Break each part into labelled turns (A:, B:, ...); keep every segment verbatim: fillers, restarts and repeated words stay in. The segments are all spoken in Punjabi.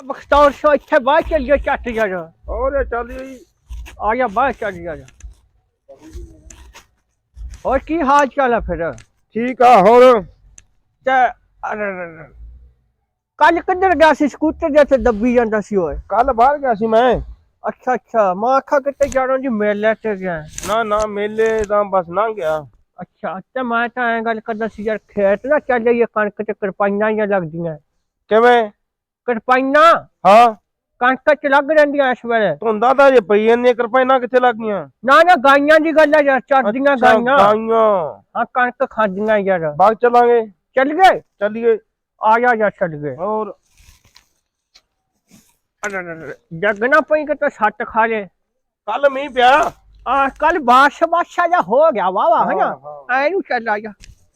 A: बख्तौर सो इतने बाहर चल गया चट जा
B: और चल जी
A: आ जा बाहर चल जा और की हाल चाल है फिर
B: ठीक है और
A: ते कल किधर गया सी स्कूटर जैसे दबी जाता सी ओए
B: कल बाहर गया सी मैं
A: अच्छा अच्छा मैं आखा कितने जाना जी मेले ते गया
B: ना ना मेले दा बस ना गया
A: अच्छा ते मैं तो ऐ गल करदा सी यार खेत ना चल जाइए कणक ते करपाइयां या लगदियां
B: किवें
A: करपाइयां
B: हाँ
A: कणक च लग रहिंदियां इस वेले
B: धुंदा तां जे पई जंदियां किरपाइनां कित्थे लग गईयां
A: ना ना गाइयां दी गल है यार चरदियां
B: अच्छा
A: गाइयां
B: गाइयां
A: हाँ कणक खादियां यार
B: बाग चलांगे
A: चल गए
B: चलिए
A: आ जा जा चल गए
B: और
A: जगना पई के तो सट खा ले
B: कल मींह पिया
A: आ कल बारिश बादशाह जा हो गया वाह वाह है ना
B: हाँ,
A: ऐ नू चल आ जा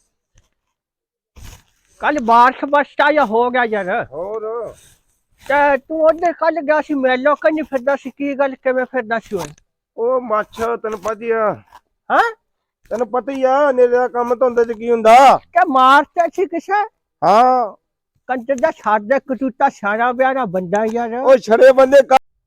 A: कल बारिश बादशाह जा हो गया यार
B: और
A: ते तू उधर कल गया सी मेलो कहीं फिरदा सी की गल किवें फिरदा सी ओए
B: ओ मच्छ तैनूं पता ही आ
A: हां
B: तैनूं पता ही आ नेरे दा काम धुंदे च की हुंदा
A: के मारते सी किसे
B: हाँ
A: कंजर दा छाड़ कटूता सारा ब्यारा बंदा यार
B: ओ छड़े बंदे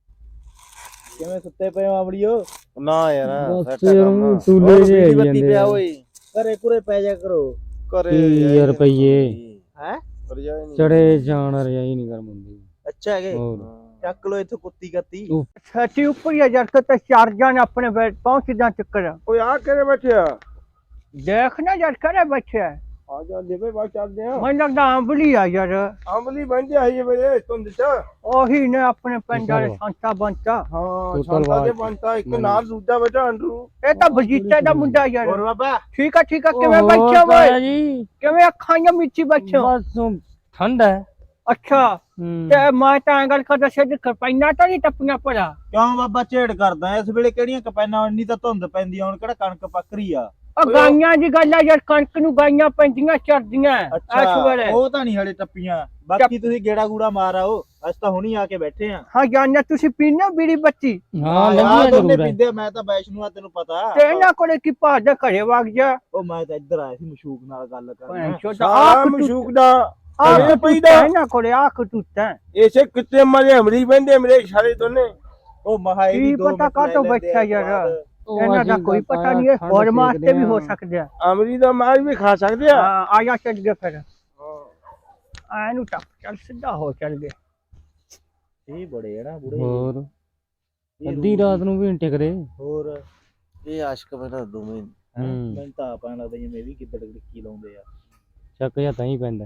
C: ਕਿਵੇਂ ਸੁੱਤੇ ਪਏ ਹੋ ਆਵੜੀਓ
B: ना यार
D: ਬਸ ਯਾਰ ਟੂਲੇ ਜੇ ਆਈ
C: ਬੱਤੀ
D: ਜਾਂਦੇ
C: ਪਿਆ
D: ਆ।
C: ਓਏ ਘਰੇ ਘੁਰੇ ਪੈ ਜਾ ਕਰੋ
B: करे
D: ਕੀ ਰੁਪਈਏ
C: ਹੈ
B: रजाई नहीं
D: ਚੜੇ ਜਾਣ ਰਜਾਈ ਨਹੀਂ ਗਰਮ ਹੁੰਦੀ
C: ਅੱਛਾ ਹੈਗੇ
D: ਹੋਰ
C: ਚੱਕ ਲੋ ਇੱਥੋਂ ਕੁੱਤੀ ਕੱਤੀ
A: छठी ऊपर या यार के चार जान अपने पहुंच जा चक्कर
B: ओ आ करे बैठे आ
A: देखना यार करे बैठे
B: आ जा ले भाई बात चल दे
A: मैं लगदा आंबली आ यार
B: अमली बन जा ये मेरे तुम दिता
A: ओही ने अपने पिंड वाले संता बनता
B: हां
D: तू
B: शांता
D: तलवार
B: दे बनता एक नाल दूजा बेटा अंडरू
A: ए तो बजीते दा मुंडा यार
C: ਹੋਰ ਬਾਬਾ
A: ठीक है ठीक है किवें
D: ਹੋਰ
A: बैठे
D: ਤਾਇਆ
A: भाई
D: ਜੀ
A: किवें अखां या मिची बैठे
D: ਬਸ ਠੰਡ ਹੈ
A: अच्छा
D: ਹੂੰ
A: ते मैं तो ऐ गल करदा सी करपाइना तो नहीं टपना पड़ा
C: ਕਿਉਂ ਬਾਬਾ ਝੇੜ ਕਰਦਾ ਇਸ ਵੇਲੇ ਕਿਹੜੀਆਂ ਕਪੈਨਾਂ ਇੰਨੀ ਤਾਂ ਧੁੰਦ ਪੈਂਦੀ ਆ ਹੁਣ ਕਿਹੜਾ ਕਣਕ ਪੱਕ ਰਹੀ ਆ
A: ओ गाइयां दी गल है यार कणक नु गाइयां पैंदियां चरदियां इस वेले
C: ਉਹ ਤਾਂ ਨਹੀਂ ਹਲੇ ਟੱਪੀਆਂ ਬਾਕੀ ਤੁਸੀਂ ਗੇੜਾ ਗੂੜਾ ਮਾਰ ਆਓ ਅਸੀਂ ਤਾਂ ਹੁਣੀ ਆ ਕੇ ਬੈਠੇ ਆ
A: हां जाने तुसी पीने बीड़ी बत्ती
D: ਹਾਂ ਲੱਗਿਆ
C: ਦੋਨੇ
D: ਜ਼ਰੂਰ ਹੈ
C: ਪੀਂਦੇ ਮੈਂ ਤਾਂ ਵੈਸ਼ਨੂ ਆ ਤੈਨੂੰ ਪਤਾ
A: ते इना कोले की भाज घरे वग जा
C: ਉਹ ਮੈਂ ਤਾਂ ਇੱਧਰ ਆਇਆ ਸੀ ਮਸ਼ੂਕ ਨਾਲ ਗੱਲ ਕਰਨ
A: छोटा
B: सारा
A: आख
B: मशूक दा
A: आख
B: ਇਹ
A: पईदा
B: पईदा
A: इना कोले आख टूटा
B: ऐसे कितने मरे अमली बंदे मेरे इशारे दोने
C: ਉਹ ਮਹਾਈ
A: की पता का तो बैठा यार इना दा कोई पता नहीं है और मास्ते भी हो सकदे हैं
B: अमली दा मार भी खा सकते आ
A: हां आया चल गए फिर आ नु टप चल सीधा हो चल गए
C: ਇਹ ਬੜੇ ਆ ਨਾ ਬੁੜੇ
D: ਹੋਰ
C: ਇਹ
D: ਅੱਧੀ ਰਾਤ ਨੂੰ ਵੀ ਨੀ ਟਿਕਦੇ
C: ਹੋਰ
E: ਇਹ ਆਸ਼ਕ ਬਣਾ ਦੋਵੇਂ
D: ਹੂੰ
C: ਮੈਨੂੰ ਤਾਂ ਆਪਾਂ ਲੱਗਦਾ ਜਿਵੇਂ ਵੀ ਕਿੱਦੜ ਕੀ ਲਾਉਂਦੇ ਆ
D: ਚੱਕ ਜਾਂ ਤਾਂ ਹੀ ਪੈਂਦਾ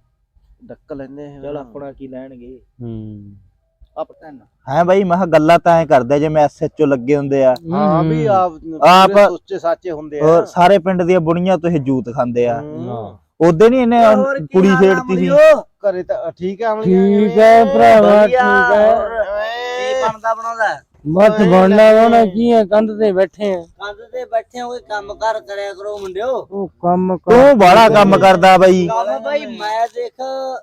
E: ਡੱਕ ਲੈਨੇ
C: ਚਲ ਆਪਣਾ ਕੀ ਲੈਣਗੇ
D: ਹੂੰ
C: ਆਪ ਹੈ ਬਾਈ ਮੈਂ ਗੱਲਾਂ ਤਾਂ ਐ ਕਰਦੇ ਜਿਵੇਂ ਐਸਐਚਓ ਲੱਗੇ ਹੁੰਦੇ ਆ
E: ਹਾਂ ਵੀ ਆਪ
C: ਆਪ
E: ਸੋਚੇ ਸਾਚੇ ਹੁੰਦੇ ਆ
C: ਹੋਰ ਸਾਰੇ ਪਿੰਡ ਦੀਆਂ ਬੁੜੀਆਂ ਤੋਂ ਇਹ ਜੂਤ ਖਾਂਦੇ ਆ
D: ਹਾਂ
C: ਉਹਦੇ ਨਹੀਂ ਇਹਨੇ ਕੁੜੀ ਛੇੜਤੀ ਸੀ
E: ਘਰੇ ਤਾਂ ਠੀਕ ਆ
D: ਠੀਕ ਹੈ ਭਰਾਵਾ ਠੀਕ ਹੈ
E: ਕੀ ਬਣਦਾ ਬਣਾਉਂਦਾ
D: ਬਸ ਬਣਨਾ ਹੋਣਾ ਕੀ ਹੈ ਕੰਧ ਤੇ ਬੈਠੇ ਆ
E: ਕੰਧ ਤੇ ਬੈਠੇ ਹੋਏ ਕੰਮ ਕਾਰ ਕਰਿਆ ਕਰੋ ਮੁੰਡਿਓ
D: ਉਹ ਕੰਮ
C: ਤੂੰ ਬੜਾ ਕੰਮ ਕਰਦਾ ਬਾਈ
E: ਕੰਮ ਬਾਈ ਮੈਂ ਦੇਖ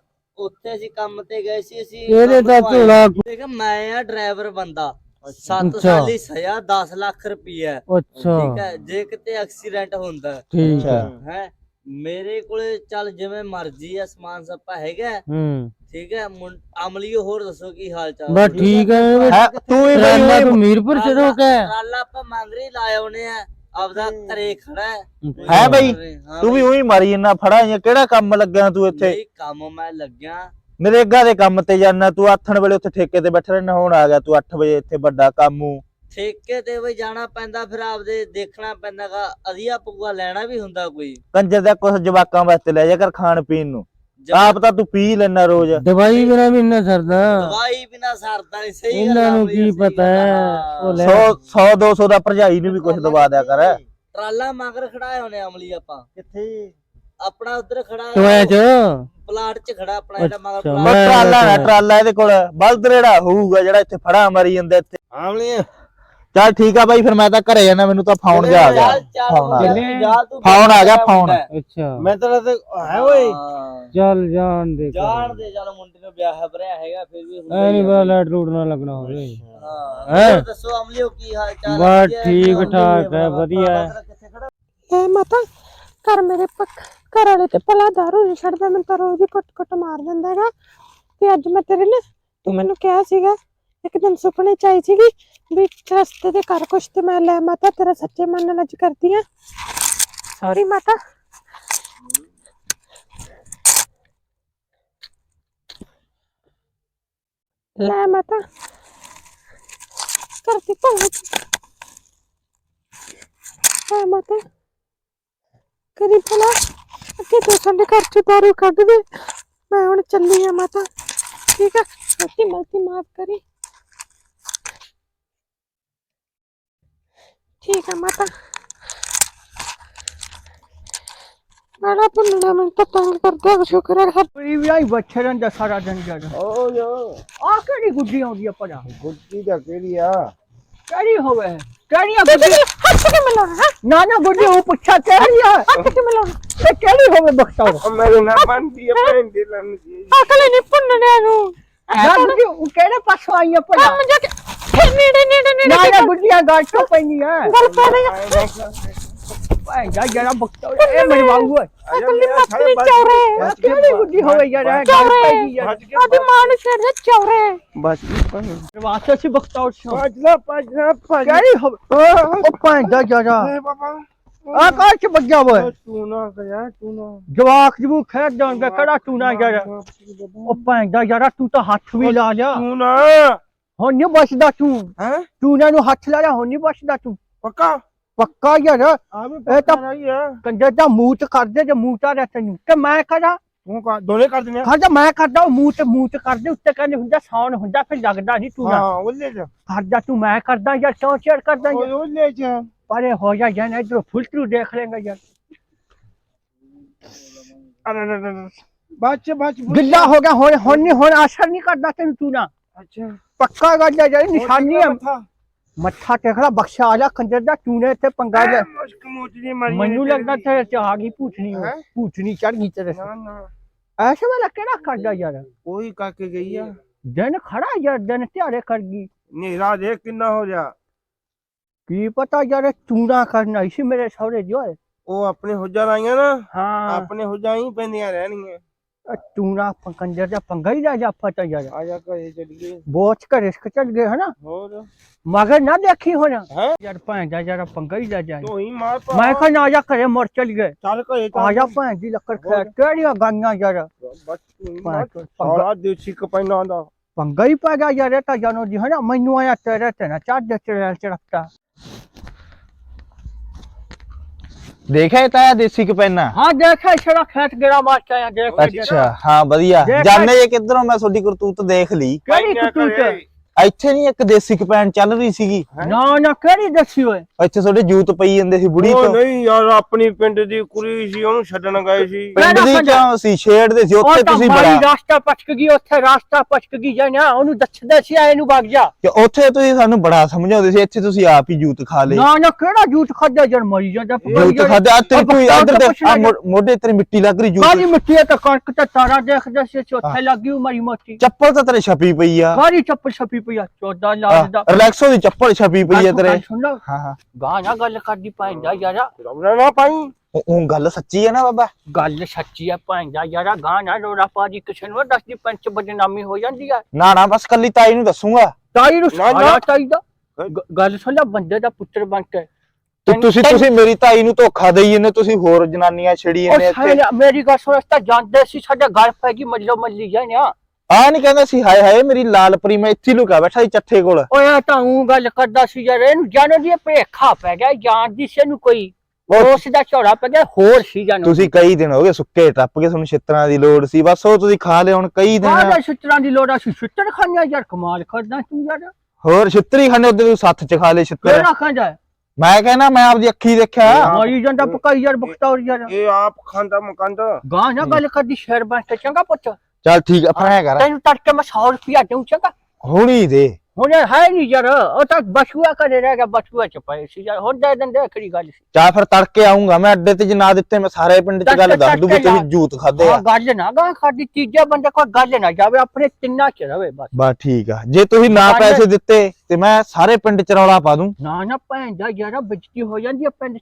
E: ਉੱਥੇ ਅਸੀਂ ਕੰਮ ਤੇ ਗਏ ਸੀ ਅਸੀਂ
D: ਇਹਦੇ ਤਾਂ ਝੋਲਾ
E: ਦੇਖ ਮੈਂ ਆ ਡਰਾਈਵਰ ਬੰਦਾ ਸੱਤ
D: ਅੱਛਾ।
E: ਸਾਲ ਦੀ ਸਜ਼ਾ ਦਸ ਲੱਖ ਰੁਪਈਆ
D: ਅੱਛਾ
E: ਠੀਕ ਹੈ ਜੇ ਕਿਤੇ ਐਕਸੀਡੈਂਟ ਹੁੰਦਾ
D: ਠੀਕ ਹੈ
E: ਹੈ ਮੇਰੇ ਕੋਲੇ ਚੱਲ ਜਿਵੇਂ ਮਰਜ਼ੀ ਆ ਸਮਾਨ ਸੱਪਾ ਹੈਗਾ
D: ਹੂੰ
E: ਠੀਕ ਹੈ ਮੁੰ- ਅਮਲੀਓ ਹੋਰ ਦੱਸੋ ਕੀ ਹਾਲ ਚਾਲ
D: ਬਸ ਠੀਕ ਹੈ
C: ਹੈਂ, ਤੂੰ ਹੀ
D: ਰਾਨਾ
C: ਬਈ
D: ਤੂੰ ਮੀਰਪੁਰ ਚ ਰੋਕ ਹੈ
E: ਰਾਲਾ ਆਪਾਂ ਮੰਗਰੀ ਲਾਏ ਆਉਨੇ ਆ ਆਪਦਾ ਘਰੇ ਖੜਾ ਹੈ
C: ਹੈ ਬਈ
E: ਹਾਂ
C: ਤੂੰ ਵੀ ਉਹੀ ਮਾਰੀ ਇੰਨਾ ਫੜਾ ਜਾਂ ਕਿਹੜਾ ਕੰਮ ਲੱਗਿਆ ਤੂੰ ਇੱਥੇ
E: ਨਹੀਂ ਕੰਮ ਮੈਂ ਲੱਗਿਆ
C: ਨਰੇਗਾ ਦੇ ਕੰਮ ਤੇ ਜਾਣਾ ਤੂੰ ਆਥਣ ਵੇਲੇ ਉੱਥੇ ਠੇਕੇ ਤੇ ਬੈਠਾ ਰਹਿਣਾ ਹੁਣ ਆ ਗਿਆ ਤੂੰ ਅੱਠ ਵਜੇ ਇੱਥੇ ਵੱਡਾ ਕਾਮੂ
E: ਠੇਕੇ ਤੇ ਵੀ ਜਾਣਾ ਪੈਂਦਾ ਫਿਰ ਆਪਦੇ ਦੇਖਣਾ ਪੈਂਦਾਗਾ ਅਧੀਆ ਪੂਆ ਲੈਣਾ ਵੀ ਹੁੰਦਾ ਕੋਈ
C: ਕੰਜਰ ਦਾ ਕੁਛ ਜਵਾਕਾਂ ਵਾਸਤੇ ਲੈ ਜਾ ਕਰ ਖਾਣ ਪੀਣ ਨੂੰ ਆਪ ਤਾਂ ਤੂੰ ਪੀ ਲੈਣਾ ਰੋਜ਼
D: ਦਵਾਈ ਬਿਨਾ ਵੀ ਇੰਨਾ ਸਰਦਾ
E: ਦਵਾਈ ਬਿਨਾ ਸਰਦਾ ਨਹੀਂ ਸਹੀ ਗੱਲ
D: ਇਹਨਾਂ ਨੂੰ
E: ਆਪਣੀ,
D: ਕੀ
E: ਸਹੀ
D: ਪਤਾ
E: ਗੱਲ
D: ਹੈ
E: ਆ।
D: ਉਹ ਲੈ
C: ਸੌ ਸੌ ਦੋ ਸੌ ਦਾ ਭਰਜਾਈ ਨੂੰ ਵੀ ਕੁਛ ਦਵਾ ਦਿਆ ਕਰ
E: ਟਰਾਲਾ ਮਗਰ ਖੜਾਏ ਹੋਣੇ ਅਮਲੀ ਆਪਾਂ
C: ਕਿੱਥੇ
E: ਆਪਣਾ ਉਧਰ ਖੜਾ
D: ਟੋਇਆ ਚ
E: ਪਲਾਟ 'ਚ ਖੜਾ ਆਪਣਾ ਜਿਹੜਾ ਮਗਰ
D: ਅੱਛਾ,
E: ਪਲਾਟ
D: ਮੈਂ-
C: ਟਰਾਲਾ ਨਾ ਟਰਾਲਾ ਇਹਦੇ ਕੋਲ ਬਲਦ ਰੇੜਾ ਹੋਊਗਾ ਜਿਹੜਾ ਇੱਥੇ ਫੜਾ ਮਾਰੀ ਜਾਂਦਾ ਇੱਥੇ
B: अमली
C: ਚੱਲ ਠੀਕ ਆ ਬਾਈ ਫਿਰ ਮੈਂ ਤਾਂ ਘਰੇ ਜਾਣਾ ਮੈਨੂੰ ਤਾਂ ਫੋਨ ਜਾ ਆ ਗਿਆ
E: ਚੱਲ ਚੱਲ
C: ਫੋਨ ਆ
E: ਮੁੰਡਿਆ,
D: ਗਿਆ।
E: ਤੂੰ ਜਾ ਤੂੰ
C: ਫੋਨ ਆ ਗਿਆ, ਫੋਨ।
D: ਅੱਛਾ
B: मैं तो है ओए
E: ਹਾਂ।
D: ਚੱਲ ਜਾਣ ਦੇ
E: ਜਾਣ ਦੇ ਚੱਲ ਮੁੰਡੇ ਨੂੰ ਵਿਆਹ ਭਰਿਆ ਹੈਗਾ ਫਿਰ ਵੀ ਹੁੰਦਾ
D: ਐ ਨਹੀਂ
E: ਹੀ ਆ।
D: ਪਤਾ ਲਾਈਟ ਲੂਟ ਨਾ ਲੱਗਣਾ ਹੋਵੇ
E: ਹਾਂ
D: ਹੈਂ?
E: ਹੋਰ ਦੱਸੋ ਅਮਲੀਓ ਕੀ ਹਾਲ ਚਾਲ
D: ਬਸ
E: ਵਧੀਆ?
D: ਠੀਕ ਠਾਕ ਹੈ ਵਧੀਆ ਹੈ
E: ਕਿੱਥੇ ਖੜਾ
F: ए माता घर मेरे पक घर वाले ते भला दारू नहीं छड़दा मैं तो रोज ही कुट कुट मार दिंदा हैगा ते अज मैं तेरे ना ਤੂੰ ਮੈਨੂੰ ਕਿਹਾ ਸੀਗਾ ਇੱਕ ਦਿਨ ਸੁਪਨੇ ਚ ਆਈ ਸੀਗੀ ਵੀ ਰਸਤੇ ਤੇ ਕਰ ਕੁਛ ਤੇ ਮੈਂ ਲੈ ਮਾਤਾ ਤੇਰਾ ਸੱਚੇ ਮਨ ਨਾਲ ਅੱਜ ਕਰਦੀ ਆ ਸੌਰੀ ਮਾਤਾ ਲੈ ਮਾਤਾ ਕਰਦੀ ਪਹੁੰਚ ਲੈ ਮਾਤਾ ਕਰੀ ਭਲਾ ਅੱਗੇ ਤੋਂ ਸਾਡੇ ਘਰ ਚ ਦਾਰੂ ਕੱਢ ਦੇ ਮੈਂ ਹੁਣ ਚੱਲੀ ਆ ਮਾਤਾ ਠੀਕ ਆ ਗਲਤੀ ਮਲਤੀ ਮਾਫ ਕਰੀ ਠੀਕ ਆ ਮਾਤਾ ਬੜਾ ਪੁੰਨਾ ਮੈਂ ਤਾਂ ਤੰਗ ਕਰਦਾ ਸ਼ੁਕਰ ਹੈ
A: ਪਰੀ ਵੀ ਆਈ ਬੱਚੇ ਰਹਿੰਦਾ ਸਾਰਾ ਦਿਨ ਜਦ
B: ਓ ਯੋ
A: ਆ ਕਿਹੜੀ ਗੁੱਡੀ ਆਉਂਦੀ ਆ ਭਲਾ
B: ਗੁੱਡੀ ਦਾ ਕਿਹੜੀ ਆ
A: ਕਿਹੜੀ ਹੋਵੇ ਕਿਹੜੀ ਆ ਗੁੱਡੀ
F: ਹੱਥ ਕੇ ਮਿਲਾਉਣਾ
A: ਨਾ ਨਾ ਗੁੱਡੀ ਉਹ ਪੁੱਛਾ ਕਿਹੜੀ ਆ
F: ਹੱਥ ਕੇ ਮਿਲਾਉਣਾ
A: ਤੇ ਕਿਹੜੀ ਹੋਵੇ ਬਖਤਾਉ
B: ਓ ਮੇਰੇ ਨਾਲ ਬੰਦੀ ਆ ਭੈਣ ਦੀ ਲੰਨ ਜੀ
F: ਅਕਲ ਨਹੀਂ ਪੁੰਨਣੇ ਨੂੰ
A: ਨਾ ਗੁੱਡੀ ਉਹ ਕਿਹੜੇ ਪਾਸੋਂ ਆਈ ਆ ਭਲਾ
F: ਕੰਮ ਜਾ ਕੇ ਫਿਰ ਨੇੜੇ ਨੇੜੇ ਨੇੜੇ
A: ਨਾ ਨਾ ਗੁੱਡੀਆਂ ਗੱਲ ਤੋਂ ਪੈਣੀ ਆ
F: ਗੱਲ ਪੈ ਰਹੀ
A: ਭਾਈ ਜਾ ਜਰਾ ਬਖਤਾਉ ਇਹ ਮੇਰੇ ਵਾਂਗੂ ਹੈ
F: ਅਕਲ ਨਹੀਂ ਮੱਤਨੀ ਚੌਰੇ
A: ਕਿਹੜੀ ਗੁੱਡੀ ਹੋਵੇ ਯਾਰ ਇਹ ਗੱਲ ਪੈ ਗਈ ਯਾਰ
F: ਆਦੀ ਮਾਂ ਨੂੰ ਛੇੜ ਦੇ ਚੌਰੇ
B: ਬਸ ਭੈਣ
A: ਵਾਸਤੇ ਸੀ ਬਖਤਾਉ ਸੋ
B: ਭਜਲਾ ਭਜਲਾ ਭਜ
A: ਕਿਹੜੀ ਹੋਵੇ ਉਹ ਭਾਈ ਜਾ ਜਰਾ
B: ਏ ਬਾਬਾ
A: ਆ ਕਾਰ ਚ ਬੱਗਿਆ ਓਏ
B: ਤੂੰ ਨਾ ਗਿਆ ਤੂੰ ਨਾ
A: ਜਵਾਕ ਜਬੂ ਖੇਡ ਜਾਣਗੇ ਕਿਹੜਾ ਤੂੰ ਨਾ ਯਾਰ ਉਹ ਭਾਂਦਾ ਯਾਰਾ ਤੂੰ ਤਾਂ ਹੱਥ ਵੀ ਲਾ ਲਿਆ
B: ਤੂੰ ਨਾ
A: ਹੁਣ ਨਹੀਂ ਬਚਦਾ ਤੂੰ
B: ਹੈ
A: ਤੂੰ ਇਹਨਾਂ ਨੂੰ ਹੱਥ ਲਾ ਲਿਆ ਹੁਣ ਨਹੀਂ ਬਚਦਾ ਤੂੰ
B: ਪੱਕਾ
A: ਪੱਕਾ ਯਾਰ
B: ਆ ਵੀ
A: ਇਹ
B: ਪੱਕਾ
A: ਤਾਂ
B: ਰਹੀ ਆ
A: ਕੰਜਰ ਦਾ ਮੂੰਹ ਤੇ ਕਰਦੇ ਜੇ ਮੂੰਹ ਤਾਂ ਤੈਨੂੰ ਕਿ ਮੈਂ ਕਰਾਂ
B: ਤੂੰ ਕਾ ਦੋਨੇ ਕਰ ਦਿੰਦੇ ਆ
A: ਕਰਦਾ ਮੈਂ ਕਰਦਾ ਉਹ ਮੂੰਹ ਤੇ ਮੂੰਹ ਤੇ ਕਰਦੇ ਉੱਤੇ ਕਹਿੰਦੇ ਹੁੰਦਾ ਸੌਣ ਹੁੰਦਾ ਫਿਰ ਲੱਗਦਾ ਨਹੀਂ ਤੂੰ ਨਾ
B: ਹਾਂ ਉਹਲੇ ਜਾ
A: ਕਰਦਾ ਤੂੰ ਮੈਂ ਕਰਦਾ ਯਾਰ ਕਿਉਂ ਚੇੜ ਕਰਦਾ ਯਾਰ
B: ਉਹਲੇ ਜਾ
A: ਪਰੇ ਹੋ ਜਾ ਜਾਨ ਇਧਰੋਂ ਫੁਲਟਰੂ ਦੇਖ ਲੇਗਾ ਯਾਰ
B: ਅਰੇ ਬਾਚ ਬਾਚ
A: ਗਿੱਲਾ ਹੋ ਗਿਆ ਹੁਣ ਹੁਣ ਨਹੀਂ ਹੁਣ ਅਸਰ ਨਹੀਂ ਕਰਦਾ ਤੈਨੂੰ ਤੂੰ ਨਾ
B: ਅੱਛਾ
A: ਪੱਕਾ ਗੱਲ ਹੈ ਜਿਹੜੀ ਨਿਸ਼ਾਨੀ ਹੈ
B: ਮੱਥਾ
A: ਮੱਥਾ ਟੇਕਦਾ ਬਖਸ਼ਾ ਆ ਜਾ ਕੰਜਰ ਦਾ ਚੂਨੇ ਤੇ ਪੰਗਾ ਲੈ
B: ਮੁਸ਼ਕ ਮੋਚੀ ਮਾਰੀ
A: ਮੈਨੂੰ ਲੱਗਦਾ ਤੇਰੇ ਚ ਆ ਗਈ ਭੂਤਨੀ
B: ਹੈਂ?
A: ਭੂਤਨੀ ਚੜ ਗਈ ਤੇਰੇ
B: ਨਾ ਨਾ
A: ਐਸੇ ਵਾਲਾ ਕਿਹੜਾ ਕਰਦਾ ਯਾਰ
B: ਕੋਈ ਕਾਕੇ ਗਈ ਆ
A: ਦਿਨ ਖੜਾ ਯਾਰ ਦਿਨ ਤਿਆਰੇ ਕਰ ਗਈ
B: ਨੇਰਾ ਦੇ ਕਿੰਨਾ ਹੋ ਜਾ
A: ਕੀ ਪਤਾ ਯਾਰ ਚੂਨਾ ਕਰਨਾ ਇਸੇ ਮੇਰੇ ਸਹੁਰੇ ਜੋ ਹੈ
B: ਉਹ ਆਪਣੇ ਹੁੱਜਾਂ ਲਾਈਆਂ ਨਾ
A: ਹਾਂ
B: ਆਪਣੇ ਹੁੱਜਾਂ ਹੀ ਪੈਂਦੀਆਂ ਰਹਿਣੀਆਂ
A: ਚੂਨਾ ਕੰਜਰ ਦਾ ਪੰਗਾ ਹੀ ਲੈ ਜਾ ਪਤਾ ਯਾਰ
B: ਆ ਜਾ ਘਰੇ ਚੱਲੀਏ
A: ਬੋਚ ਕੇ ਰਿਸਕ ਚੱਲ ਗਏ ਹਨਾ
B: ਹੋਰ
A: ਮਗਰ ਨਾ ਦੇਖੀ ਹੁਣ
B: ਹੈਂ?
A: ਯਾਰ ਭੈਣ ਦਾ ਯਾਰ ਪੰਗਾ ਹੀ ਲੈ ਜਾ
B: ਤੂੰ ਹੀ ਮਾਰ ਪਾ
A: ਮੈਂ ਕਿਹਾ ਨਾ ਜਾ ਘਰੇ ਮੁੜ ਚੱਲ ਗਏ
B: ਚੱਲ ਘਰੇ
A: ਆ ਜਾ ਭੈਣ ਦੀ ਲੱਕੜ ਖੈ ਕਿਹੜੀਆਂ ਗਾਈਆਂ ਯਾਰ
B: ਬਸ ਤੂੰ ਹੀ
A: ਭੈਣ
B: ਮਾਰ
A: ਚੋਦ, ਪੰਗਾ
B: ਸਾਰਾ ਦੇਸੀ ਕਪੈਨਾ ਦਾ
A: ਪੰਗਾ ਹੀ ਪੈ ਗਿਆ ਯਾਰ ਇਹ ਤਾਂ ਜਾਨੋ ਜੀ ਹਨਾ ਮੈਨੂੰ ਆਇਆ ਤੇਰੇ ਤੇ ਨਾ ਚਾਰ ਦੇ ਚੜਿਆ ਚੜਕਤਾ
C: ਦੇਖਿਆ ਇਹ ਤਾਂ ਦੇਸੀ ਕਪੈਨਾ
A: ਹਾਂ ਦੇਖਿਆ ਛੜਾ ਖੇਤ ਗੇੜਾ ਮਾਰ ਕੇ ਆਇਆ ਦੇਖ
C: ਅੱਛਾ ਹਾਂ ਵਧੀਆ
A: ਦੇਖ-
C: ਜਾਣੇ ਜੇ ਕਿੱਧਰੋਂ ਮੈਂ ਤੁਹਾਡੀ ਕਰਤੂਤ ਦੇਖ ਲਈ
A: ਕਿਹੜੀ ਕਤੂਤ
C: ਇੱਥੇ ਨਹੀਂ ਇੱਕ ਦੇਸੀ ਕਪੈਨ ਚੱਲ ਰਹੀ ਸੀਗੀ
A: ਨਾ ਨਾ ਕਿਹੜੀ ਦੱਸੀ ਓਏ
C: ਇੱਥੇ ਤੁਹਾਡੇ ਜੂਤ ਪਈ ਜਾਂਦੇ ਸੀ ਬੁੜੀ
B: ਉਹ
C: ਤੋਂ
B: ਨਹੀਂ ਯਾਰ ਆਪਣੀ ਪਿੰਡ ਦੀ ਕੁੜੀ ਸੀ ਉਹਨੂੰ ਛੱਡਣ ਗਏ ਸੀ
C: ਪਿੰਡ ਦੀ ਕਿਉਂ ਸੀ ਛੇੜਦੇ ਸੀ ਉੱਥੇ
A: ਉਹ ਤਾਂ
C: ਤੁਸੀਂ
A: ਮਾਰੀ
C: ਬੜਾ
A: ਰਾਸਤਾ ਪਛਕ ਗਈ ਉੱਥੇ ਰਾਸਤਾ ਪਛਕ ਗਈ ਜਾਨਾ ਉਹਨੂੰ ਦੱਸਦਾ ਸੀ ਇਹਨੂੰ ਵਗ ਜਾ
C: ਕਿ ਉੱਥੇ ਤੁਸੀਂ ਸਾਨੂੰ ਬੜਾ ਸਮਝਾਉਂਦੇ ਸੀ ਇੱਥੇ ਤੁਸੀਂ ਆਪ ਹੀ ਜੂਤ ਖਾ ਲਏ
A: ਨਾ ਨਾ ਕਿਹੜਾ ਜੂਠ ਖਾਦਾ ਜਨ ਮਰੀ ਜਾਂਦਾ
C: ਜੂਤ ਖਾਦੇ ਆ ਤੇਰੀ ਕੋਈ
A: ਆਹ
C: ਇੱਧਰ ਦੇ
A: ਪੁੱਛਣਾ
C: ਆਹ ਮੋ- ਮੋਢੇ ਤੇਰੀ ਮਿੱਟੀ ਲੱਗ ਰਹੀ
A: ਕਾਲੀ
C: ਜੂਤ
A: ਮਿੱਟੀ ਤੇ ਕਣਕ ਤੇ ਤਾਰਾ ਦੇਖਦਾ ਸੀ ਉੱਥੇ ਲੱਗੀ ਮਰੀ ਮੋਟੀ
C: ਚੱਪਲ ਤਾਂ ਤੇਰੇ ਛਪੀ ਪਈ ਆ
A: ਕਾਲੀ ਚੱਪਲ ਛਪੀ ਪਈ ਆ ਚੌਦਾਂ ਲੱਖ ਦਾ
C: ਰਿਲੈਕਸੋ ਦੀ ਚੱਪਲ ਛਪੀ ਪਈ ਆ ਤੇਰੇ
A: ਸੁਣ ਲਾ
C: ਹਾਂ ਹਾਂ
A: ਗਾਣਾ ਗੱਲ ਕਰਦੀ ਪੈਂਦਾ ਯਾਰਾ
B: ਰੌਲਾ ਨਾ ਪਾਈ
C: ਉਹ- ਉਹ ਗੱਲ ਸੱਚੀ ਹੈ ਨਾ ਬਾਬਾ
A: ਗੱਲ ਸੱਚੀ ਆ ਪੈਂਦਾ ਯਾਰਾ ਗਾਣਾ ਰੋੜਾ ਪਾਜੀ ਕਿਸੇ ਨੂੰ ਦੱਸਦੀ ਪੰਚ ਬਦਨਾਮੀ ਹੋ ਜਾਂਦੀ ਆ
C: ਨਾ ਨਾ ਬਸ ਕੱਲੀ ਤਾਈ ਨੂੰ ਦੱਸੂਗਾ
A: ਤਾਈ ਨੂੰ
B: ਨਾ, ਨਾ।
A: ਸਾਰਾ ਚਾਹੀਦਾ ਗ- ਗੱਲ ਸੁਣ ਲੈ ਬੰਦੇ ਦਾ ਪੁੱਤਰ ਬਣ ਕੇ
C: ਤੇ ਤੁਸੀਂ ਤੁਸੀਂ ਮੇਰੀ ਤਾਈ ਨੂੰ ਧੋਖਾ ਦੇਈ ਜਾਂਦੇ ਤੁਸੀਂ ਹੋਰ ਜਨਾਨੀਆਂ ਛੜੀ
A: ਉਹ
C: ਜਾਂਦੇ ਇੱਥੇ
A: ਸਾਲੇ ਮੇਰੀ ਗੱਲ ਸੁਣ ਤਾਂ ਜਾਂਦੇ ਸੀ ਸਾਡੇ ਗੱਲ ਪੈ ਗਈ ਮੱਲੋ ਮੱਲੀ ਜਾਣਿਆ
C: ਆ ਨਹੀਂ ਕਹਿੰਦਾ ਸੀ ਹਾਏ ਹਾਏ ਮੇਰੀ ਲਾਲਪਰੀ ਮੈਂ ਇੱਥੇ ਲੁਕਾ ਬੈਠਾ ਸੀ ਚੱਠੇ ਕੋਲ
A: ਓਏ ਆ ਤਾਂ ਉਹ ਗੱਲ ਕਰਦਾ ਸੀ ਯਾਰ ਇਹਨੂੰ ਜਾਣੋ ਦੀ ਭੇਖਾ ਪੈ ਗਿਆ ਜਾਣਦੀ ਸੀ ਇਹਨੂੰ ਕੋਈ ਉਸ ਦਾ ਝੋੜਾ ਪੈ ਗਿਆ ਹੋਰ ਸੀ ਜਾਣੋ
C: ਤੁਸੀਂ ਕਈ ਦਿਨ ਹੋ ਗਏ ਸੁੱਕੇ ਟੱਪ ਕੇ ਤੁਹਾਨੂੰ ਛਿੱਤਰਾਂ ਦੀ ਲੋੜ ਸੀ ਬਸ ਉਹ ਤੁਸੀਂ ਖਾ ਲਿਆ ਹੁਣ ਕਈ ਦਿਨ
A: ਬਾਹਰ ਛਿੱਤਰਾਂ ਦੀ ਲੋੜ ਆ ਸੀ ਛਿੱਤਰ ਖਾਣਿਆ ਯਾਰ ਕਮਾਲ ਕਰਦਾ ਤੂੰ ਯਾਰ
C: ਹੋਰ ਛਿੱਤਰੀ ਖਾਣੇ ਉਹਦੇ ਤੂੰ ਸੱਤ ਚ ਖਾ ਲਏ ਛਿੱਤਰ
A: ਕਿਹੜਾ ਖਾਂਦਾ
C: ਮੈਂ ਕਹਿੰਦਾ ਮੈਂ ਆਪਦੀ ਅੱਖੀ ਦੇਖਿਆ
A: ਮਾਰੀ ਜਾਂਦਾ ਪਕਾਈ ਯਾਰ ਬਖਤੌਰ ਯਾਰ
B: ਇਹ ਆਪ ਖਾਂਦਾ ਮਕੰਦ
A: ਗਾਂ ਨਾ ਗੱਲ ਕਰਦੀ ਸ਼ੇਰ ਬਣ ਕੇ ਚੰਗਾ ਪੁੱਤ
C: ਚੱਲ ਠੀਕ ਆਪਣਾ ਐ ਕਰ
A: ਤੈਨੂੰ ਤੜਕੇ ਮੈਂ ਸੌ ਰੁਪਿਆ ਦੇਉਂ ਚੰਗਾ
C: ਹੁਣੀ ਦੇ
A: ਹੁਣ ਯਾਰ ਹੈ ਨਹੀਂ ਯਾਰ ਉਹ ਤਾਂ ਬਸੂਆ ਕਰੇ ਰਹਿ ਗਿਆ ਬਸੂਆ ਚ ਪਏ ਸੀ ਯਾਰ ਹੁਣ ਦੇ ਦਿੰਦੇ ਖੜੀ ਗੱਲ ਸੀ
C: ਚਾਹ ਫਿਰ ਤੜਕੇ ਆਉਂਗਾ ਮੈਂ ਅੱਡੇ ਤੇ ਜੇ ਨਾ ਦਿੱਤੇ ਮੈਂ ਸਾਰੇ ਪਿੰਡ ਚ ਗੱਲ ਦੱਸ ਦੂੰ ਵੀ ਤੁਸੀਂ ਜੂਤ ਖਾਦੇ
A: ਹਾਂ
C: ਆ
A: ਗੱਲ ਨਾ ਗਾ ਖਾਦੀ ਤੀਜਾ ਬੰਦਾ ਕੋਈ ਗੱਲ ਨਾ ਜਾਵੇ ਆਪਣੇ ਤਿੰਨਾਂ ਚ ਰਵੇ ਬਸ
C: ਬਸ ਠੀਕ ਆ ਜੇ ਤੁਸੀਂ ਨਾ
A: ਗੱਲ-
C: ਪੈਸੇ ਦਿੱਤੇ ਤੇ ਮੈਂ ਸਾਰੇ ਪਿੰਡ ਚ ਰੌਲਾ ਪਾ ਦੂੰ
A: ਨਾ ਨਾ ਭੈਣ ਦਾ ਯਾਰ ਬੇਇੱਜ਼ਤੀ ਹੋ ਜਾਂਦੀ ਆ ਪਿੰਡ ਚ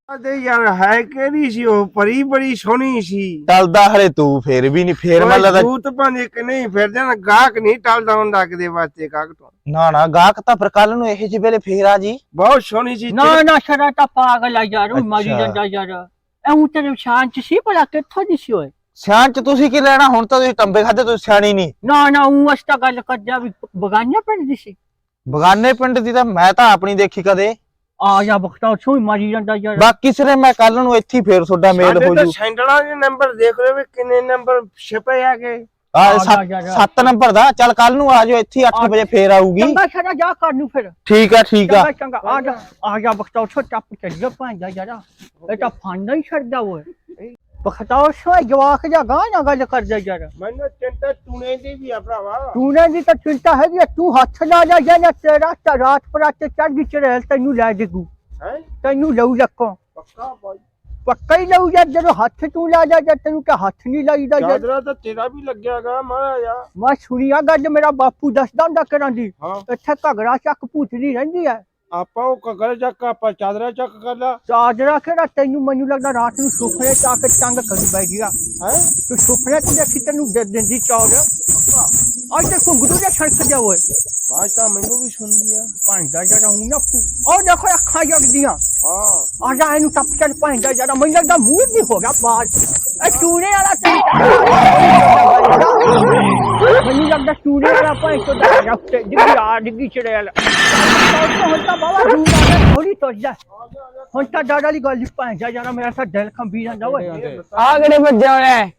B: ਤੇ ਯਾਰ ਹੈ ਕਿਹੜੀ ਸੀ ਉਹ ਪਰੀ ਬੜੀ ਸੋਹਣੀ ਸੀ
C: ਟਲਦਾ ਹਲੇ ਤੂੰ ਫੇਰ ਵੀ ਨਹੀਂ ਫੇਰ ਮੈਂ ਲੱਗਦਾ
B: ਤੂੰ ਤਾਂ ਭਾਵੇਂ ਕਿ ਨਹੀਂ ਫਿਰ ਜਾਣਾ ਗਾਹਕ ਨਹੀਂ ਟਲਦਾ ਹੁੰਦਾ ਕਿਤੇ ਵਾਸਤੇ ਗਾਹਕ ਤੋਂ
C: ਨਾ ਨਾ ਗਾਹਕ ਤਾਂ ਫਿਰ ਕੱਲ ਨੂੰ ਇਹੋ ਜਿਹੇ ਵੇਲੇ ਫੇਰ ਆ ਜੀ
B: ਬਹੁਤ ਸੋਹਣੀ ਸੀ
A: ਨਾ ਨਾ ਸ਼ਰਾ ਤਾਂ ਪਾਗਲ ਆ ਯਾਰ ਉਹ ਮਾਰੀ
C: ਅੱਛਾ।
A: ਜਾਂਦਾ ਯਾਰ ਐਉਂ ਤੇਰੇ ਸ਼ਾਂਤ ਸੀ ਭਲਾ ਕਿੱਥੋਂ ਦੀ ਸੀ ਓਏ
C: ਸਿਆਣ ਚ ਤੁਸੀਂ ਕੀ ਲੈਣਾ ਹੁਣ ਤਾਂ ਤੁਸੀਂ ਟੰਬੇ ਖਾਦੇ ਤੁਸੀਂ ਸਿਆਣੀ ਨਹੀਂ
A: ਨਾ ਨਾ ਉਹ ਅਸਤਾ ਗੱਲ ਕਰਦਾ ਵੀ ਬਗਾਨਿਆ ਪਿੰਡ ਦੀ ਸੀ
C: ਬਗਾਨੇ ਪਿੰਡ ਦੀ ਤਾਂ ਮੈਂ ਤਾਂ ਆਪਣੀ ਦੇਖੀ ਕਦੇ
A: ਆ ਜਾ ਬਖਤਾ ਛੋਈ ਮਾਰੀ ਜਾਂਦਾ ਯਾਰ
C: ਬਾਕੀ ਸਿਰੇ ਮੈਂ ਕੱਲ ਨੂੰ ਇੱਥੇ ਹੀ ਫੇਰ ਤੁਹਾਡਾ ਮੇਲ
B: ਸਾਡੇ
C: ਹੋ
B: ਤਾਂ
C: ਜੂ
B: ਸੈਂਡਲਾਂ ਦੇ ਨੰਬਰ ਦੇਖ ਰਹੇ ਵੀ ਕਿੰਨੇ ਨੰਬਰ ਛਪੇ ਆਗੇ
C: ਆ
A: ਆ ਜਾ, ਜਾ, ਜਾ।
C: ਸੱਤ ਨੰਬਰ ਦਾ ਚੱਲ ਕੱਲ ਨੂੰ ਆ ਜਾਓ ਇੱਥੇ ਅੱਠ ਵਜੇ ਫੇਰ ਆਊਗੀ
A: ਚੰਗਾ ਸ਼ਰਾ ਜਾ ਕਰ ਨੂੰ ਫਿਰ
C: ਠੀਕ ਆ ਠੀਕ ਆ
A: ਚੰਗਾ ਚੰਗਾ ਆ ਜਾ ਆ ਜਾ ਬਖਤਾ ਛੋ ਟੱਪ ਚੱਲ ਪਾਂਦਾ ਯਾਰ ਇਹ ਤਾਂ ਫਾਂਡਾ ਹੀ ਛੱਡਦਾ ਓਏ ਬਖਤਾ ਛੋ ਜਵਾਕ ਜਾ ਗਾਂ ਨਾ ਗੱਲ ਕਰਦਾ ਯਾਰ
B: ਮੈਨੂੰ ਚਿੰਤਾ ਟੂਣੇ ਦੀ ਵੀ ਆ ਭਰਾਵਾ
A: ਤੂੰ ਨੇ ਦੀ ਤਾਂ ਚਿੰਤਾ ਹੈਗੀ ਆ, ਤੂੰ ਹੱਥ ਲਾ ਜਾ ਜਾਂ ਤੇਰਾ ਤਾਂ ਰਾਤ ਪਰਾਤੇ ਚੜ ਗਈ ਚੜੇਲ ਤੈਨੂੰ ਲੈ ਦੇਗੂ
B: ਹੈ
A: ਤੈਨੂੰ ਲਊ ਲੱਕੋ
B: ਪੱਕਾ ਬਾਈ
A: ਪੱਕਾ ਹੀ ਲਊ ਯਾਰ ਜਦੋਂ ਹੱਥ ਤੂੰ ਲਾ ਜਾ ਜਾਂ ਤੈਨੂੰ ਕਿ ਹੱਥ ਨਹੀਂ ਲਾਈਦਾ ਯਾਰ
B: ਚਾਦਰਾ ਤਾਂ ਤੇਰਾ ਵੀ ਲੱਗਿਆਗਾ ਮਹਾਰਾਜਾ
A: ਮੈਂ ਸੁਣੀਆ ਗੱਲ ਮੇਰਾ ਬਾਪੂ ਦੱਸਦਾ ਹੁੰਦਾ ਕਰਾਂ ਦੀ
B: ਹਾਂ
A: ਇੱਥੇ ਘਗਰਾ ਚੱਕ ਭੂਤਦੀ ਰਹਿੰਦੀ ਹੈ
B: ਆਪਾਂ ਉਹ ਕਗਰ ਚੱਕ ਆਪਾਂ ਚਾਦਰਾ ਚੱਕ ਕਰ ਲਾ
A: ਚਾਦਰਾ ਕਿਹੜਾ ਤੈਨੂੰ ਮੈਨੂੰ ਲੱਗਦਾ ਰਾਤ ਨੂੰ ਸੁਪਨੇ ਚ ਆ ਕੇ ਤੰਗ ਕਰੀ ਬੈਠੀਆ
B: ਹੈ
A: ਤੂੰ ਸੁਪਨੇ ਚ ਦੇਖੀ ਤੈਨੂੰ ਦੇ ਦਿੰਦੀ ਚੌੜ ਅੱਜ ਤੇ ਘੁੰਗਰੂ ਦੇ ਛੜਕ ਜਾ ਓਏ
B: ਬਾਜ ਤਾਂ ਮੈਨੂੰ ਵੀ ਸੁਣਦੀ ਆ
A: ਭਾਂਡਾ ਜਰਾ ਹੂੰ ਨਾ ਉਹ ਦੇਖੋ ਅੱਖਾਂ ਜਗਦੀਆਂ
B: ਹਾਂ
A: ਆ ਜਾ ਇਹਨੂੰ ਟੱਪ ਚੱਲ ਭਾਂਡਾ ਜਰਾ ਮੈਨੂੰ ਲੱਗਦਾ ਮੂੰਹ ਨਹੀਂ ਹੋ ਗਿਆ ਬਾਜ ਇਹ ਚੂਨੇ ਵਾਲਾ ਮੈਨੂੰ ਲੱਗਦਾ ਚੂਨੇ ਵਾਲਾ ਭਾਂਡਾ ਦਾ ਰੱਖਤੇ ਡਿੱਗੀ ਆ ਡਿੱਗੀ ਚੜੇ ਵਾਲਾ ਹੁਣ ਤਾਂ ਬਾਬਾ ਦੂਰ ਆ ਥੋੜੀ ਤੁਰ ਜਾ ਹੁਣ ਤਾਂ ਡਾਡਾ ਵਾਲੀ ਗੱਲ ਭਾਂਡਾ ਜਰਾ ਮੇਰਾ ਤਾਂ ਦਿਲ ਕੰਬੀ ਜਾਂਦਾ ਓਏ
D: ਆ ਕਿਹੜੇ ਵੱਜਿਆ ਹੋਇਆ ਹੈ?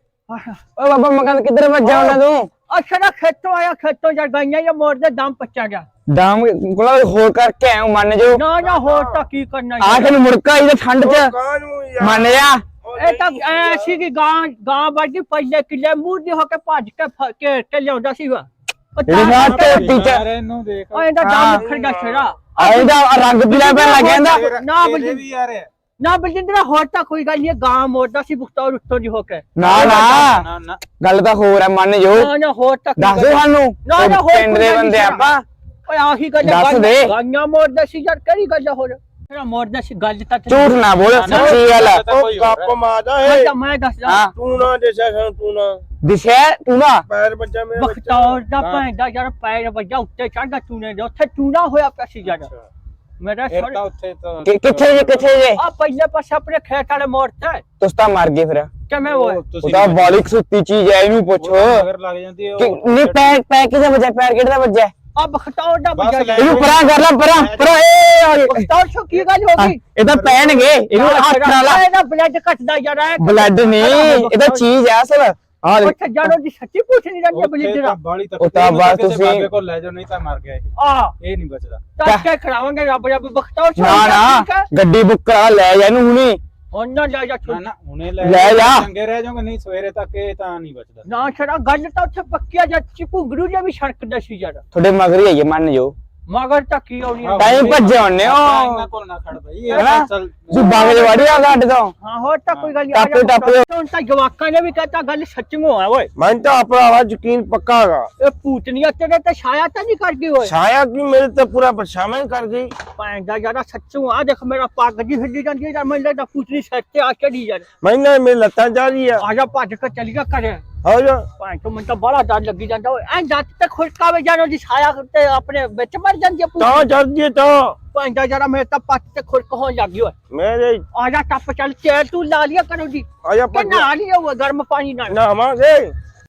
D: ਓ ਬਾਬਾ ਮਕਾਨ ਕਿੱਧਰ ਵੱਜਿਆ ਹੋਣਾ ਤੂੰ
A: ਅੱਛਾ ਨਾ ਖੇਤੋਂ ਆਇਆ ਖੇਤੋਂ ਜਾ ਗਈਆਂ ਜਾਂ ਮੋੜ ਦੇ ਦਮ ਪੱਚਾ ਗਿਆ
D: ਡਾਮ ਕੋਲਾ ਹੋਰ ਕਰਕੇ ਆਇਆ ਮੰਨ ਜੋ
A: ਨਾ ਨਾ ਹੋਰ ਤਾਂ ਕੀ ਕਰਨਾ
D: ਆ
A: ਯਾਰ।
D: ਤੈਨੂੰ ਮੁੜਕਾ ਇਹਦੇ ਠੰਡ ਚ
B: ਕਾਹਨੂੰ ਯਾਰ
D: ਮੰਨ ਜਾ
A: ਇਹ ਤਾਂ ਐਸੀ ਕਿ ਗਾਂ ਗਾਂ ਵੱਡੀ ਪਹਿਲੇ ਕਿਲੇ ਮੂੰਹ ਦੀ ਹੋ ਕੇ ਭੱਜ ਕੇ ਫ- ਘੇਰ ਕੇ ਲਿਆਉਂਦਾ ਸੀ ਵਾ
D: ਇਹਦੇ ਨਾਲ ਤੇ ਟੀਚਰ
G: ਇਹਨੂੰ ਦੇਖ
A: ਉਹ ਇਹਦਾ ਦਮ ਖੜ ਗਿਆ ਛੇੜਾ
D: ਆਇਦਾ ਰੰਗ ਪੀਲਾ ਪੈਣ ਲੱਗ ਜਾਂਦਾ
A: ਨਾ
G: ਤੇਰੇ
A: ਬਲਜਿੰਦਰ
G: ਵੀ ਯਾਰ
A: ਨਾ ਬਲਜਿੰਦਰ ਹੋਰ ਤਾਂ ਕੋਈ ਗੱਲ ਨਹੀਂ ਗਾਂ ਮੋੜਦਾ ਸੀ ਬੁਖਤੌਰ ਉੱਤੋਂ ਦੀ ਹੋ ਕੇ
D: ਨਾ ਨਾ
G: ਨਾ ਨਾ
D: ਗੱਲ ਤਾਂ ਹੋਰ ਹੈ ਮੰਨ ਜੋ
A: ਨਾ ਨਾ ਹੋਰ ਤਾਂ ਕੋਈ
D: ਦੱਸ
A: ਗੱਲ
D: ਦੋ
A: ਨੀ।
D: ਸਾਨੂੰ
A: ਨਾ ਨਾ ਹੋਰ
D: ਪਿੰਡ
A: ਕੋਈ
D: ਦੇ
A: ਗੱਲ ਨੀ
D: ਬੰਦੇ
A: ਛੇੜਾ।
D: ਆਪਾਂ
A: ਓਏ ਆਹੀ ਗੱਲ
D: ਦੱਸ ਦੇ।
A: ਗਾਂਆਂ ਮੋੜਦਾ ਸੀ ਯਾਰ ਕਿਹੜੀ ਗੱਲ ਆ ਹੋਰ ਤੇਰਾ ਮੋੜਦਾ ਸੀ ਗੱਲ ਤਾਂ ਤੈਨੂੰ-
D: ਝੂਠ ਨਾ ਬੋਲ ਸੱਚੀ ਗੱਲ ਆ।
B: ਉਹ ਗੱਪ ਮਾਰਦਾ
A: ਮੈਂ
B: ਏ
A: ਤਾਂ ਮੈਂ ਦੱਸਦਾ
D: ਹਾਂ
B: ਤੂੰ ਨਾ ਦੇਸਾ ਸਾਨੂੰ ਤੂੰ ਨਾ
D: ਦਿਸ਼ਾ ਤੂੰ ਨਾ
B: ਪੈਰ ਬੱਚਾ ਮੇਰਾ
A: ਬਖਤੌਰ ਦਾ ਭੈਂਦਾ ਯਾਰ ਪੈਰ ਵੱਜਾ ਉੱਤੇ ਚੜਦਾ ਚੂਨੇ ਦੇ ਉੱਥੇ ਚੂਨਾ ਹੋਇਆ ਪਿਆ ਸੀ ਯਾਰ ਮੇਰਾ
G: ਫਿਰ
A: ਸਰ
G: ਤਾਂ ਉੱਥੇ ਤਾਂ
D: ਕਿ- ਕਿੱਥੇ ਜੇ ਕਿੱਥੇ ਜੇ
A: ਆ ਪਹਿਲੇ ਪਾਸੇ ਆਪਣੇ ਖੇਤ ਵਾਲੇ ਮੋੜ ਤੇ
D: ਤੁਸੀਂ ਤਾਂ ਮਰ ਗਏ ਫਿਰ
A: ਕਿਵੇਂ ਹੋਏ
D: ਉਹ ਤਾਂ ਬਾਲਿਕ ਸੁੱਤੀ ਚੀਜ਼ ਹੈ ਇਹਨੂੰ ਪੁੱਛੋ
G: ਮਗਰ ਲੱਗ ਜਾਂਦੀ ਹੈ
D: ਕਿ
G: ਉਹ
D: ਨਹੀਂ ਪੈਰ ਪੈਰ ਕਿਹਦਾ ਵੱਜਿਆ ਪੈਰ ਕਿਹਦਾ ਵੱਜਿਆ
A: ਆ ਬਖਤੌਰ ਦਾ
G: ਬਸ
A: ਵੱਜਾ
G: ਲੈ।
D: ਇਹਨੂੰ ਪਰਾਂ ਕਰ ਲੈ ਪਰਾਂ ਪਰਾਂ ਇਹ ਆ ਗਏ।
A: ਬਖਤੌਰ ਸ਼ੋ ਕੀ ਗੱਲ ਹੋ ਗਈ
D: ਇਹ ਤਾਂ ਪੈਣਗੇ ਇਹਨੂੰ ਹੱਥ ਨਾਲ ਲਾ
A: ਇਹਦਾ ਬਲੱਡ ਘਟਦਾ ਯਾਰ ਐ
D: ਬਲੱਡ ਨਹੀਂ ਇਹ ਤਾਂ ਚੀਜ਼ ਹੈ ਅਸਲ ਆ ਦੇਖ
A: ਉੱਥੇ ਜਾਣੋ ਦੀ ਸੱਚੀ ਪੁੱਛ ਨਹੀਂ ਜਾਂਦੀ
G: ਉੱਥੇ
A: ਬਲੱਡ
G: ਤਾਂ
A: ਦਾ
G: ਬਾਲੀ ਤੱਕ
D: ਉਹ ਤਾਂ ਬਸ ਤੁਸੀਂ-
G: ਬਾਬੇ ਕੋਲ ਲੈ ਜਾਓ ਨਹੀਂ ਤਾਂ ਮਰ ਗਿਆ ਇਹ
A: ਆ
G: ਇਹ ਨਹੀਂ ਬਚਦਾ
A: ਤਾਂ ਕੇ ਖੜਾਵਾਂਗੇ ਰੱਬ ਰੱਬ ਬਖਤੌਰ ਸ਼ੋ
D: ਨਾ ਨਾ ਗੱਡੀ ਬੁੱਕ ਕਰਾ ਲੈ ਜਾ ਇਹਨੂੰ ਹੁਣੀ
A: ਉਹਨਾਂ ਜਾ ਜਾ
G: ਨਾ
A: ਛੁੱਟ
G: ਨਾ ਹੁਣੇ ਲੈ
D: ਲੈ ਜਾ।
G: ਚੰਗੇ ਰਹਿ ਜਾਓਗੇ ਨਹੀਂ ਸਵੇਰੇ ਤੱਕ ਇਹ ਤਾਂ ਨਹੀਂ ਬਚਦਾ
A: ਨਾ ਛੜਾ ਗੱਲ ਤਾਂ ਉੱਥੇ ਪੱਕਿਆ ਜਾਂ ਚਿਪੁੰਗਰੂ ਜਿਹਾ ਵੀ ਸੜਕਦਾ ਸੀ ਯਾਰ
D: ਤੁਹਾਡੇ ਮਗਰ ਹੀ ਆਈਏ ਮੰਨ ਜੋ
A: ਮਗਰ ਤਾਂ ਕੀ ਆਉਣੀ ਆ।
D: ਟਾਈਮ ਭੱਜੇ ਹੁੰਨੇ
G: ਆਪਾਂ
D: ਹੋ
G: ਇਹਨਾਂ ਕੋਲ ਨਾ ਖੜ ਬਈ
D: ਹੈਨਾ?
G: ਇਹ ਚੱਲ
D: ਤੂੰ ਬਾਗ ਦੇ ਵਾੜੀ ਆ ਗੱਡ ਤੋਂ
A: ਹਾਂ ਹੋਰ ਤਾਂ ਕੋਈ ਗੱਲ ਨਹੀਂ
D: ਟੱਪੇ ਟੱਪੇ
A: ਹੁਣ ਤਾਂ ਜਵਾਕਾਂ ਨੇ ਵੀ ਕਹਤਾ ਗੱਲ ਸੱਚੀਓ ਆ ਓਏ
B: ਮੈਂ ਤਾਂ ਭਰਾਵਾ ਯਕੀਨ ਪੱਕਾ ਹੈਗਾ
A: ਇਹ ਪੂਤਨੀਆਂ ਤੇਰੇ ਤੇ ਛਾਇਆ ਤਾਂ ਨਹੀਂ ਕਰ ਗਈ ਓਏ
B: ਛਾਇਆ ਕੀ ਮੇਰੇ ਤੇ ਪੂਰਾ ਪਰਛਾਵਾਂ ਕਰ ਗਈ
A: ਭੈਣ ਦਾ ਯਾਰਾ ਸੱਚੂ ਆ ਦੇਖ ਮੇਰਾ ਪੱਗ ਜੀ ਹਿੱਲੀ ਜਾਂਦੀ ਹੈ ਯਾਰ ਮੈਨੂੰ ਲੱਗਦਾ ਪੂਤਨੀ ਸਿਰ ਤੇ ਆ ਕੇ ਦੀ ਯਾਰ
B: ਮੈਨਾਂ ਮੇਰੇ ਲੱਤਾਂ ਜਾ ਰਹੀ ਆ
A: ਆ ਜਾ ਭੱਜ ਕੇ ਚਲੀ ਗਿਆ ਘਰੇ
B: ਹੋ ਜਾ
A: ਭੈਣ ਤੋਂ ਮੈਨੂੰ ਤਾਂ ਬੜਾ ਡਰ ਲੱਗੀ ਜਾਂਦਾ ਓਏ ਐਂ ਜੱਟ ਤੇ ਖੁਸ਼ਕਾਵੇ ਜਾਣੋ ਦੀ ਛਾਇਆ ਤੇ ਆਪਣੇ ਵਿੱਚ ਮਰ ਜਾਂਦੀ ਹੈ
B: ਤਾਂ
A: ਪੂਤਨੀ
B: ਚੜਦੀ ਤਾਂ
A: ਭੈਣ ਦਾ ਯਾਰਾ ਮੇਰੇ ਤਾਂ ਪੱਟ ਤੇ ਖੁਰਕ ਹੋਣ ਲੱਗ ਗਈ ਓਏ
B: ਮੇਰੇ
A: ਆ ਜਾ ਟੱਪ ਚੱਲ ਚੇਰ ਤੂੰ ਲਾ ਲਿਆ ਕਰੋ ਜੀ
B: ਆ ਜਾ
A: ਕਿ
B: ਪੱਜ
A: ਨਾ ਲਿਆ ਉਹ ਗਰਮ ਪਾਣੀ ਨਾਲ
B: ਨਾਵਾਂਗੇ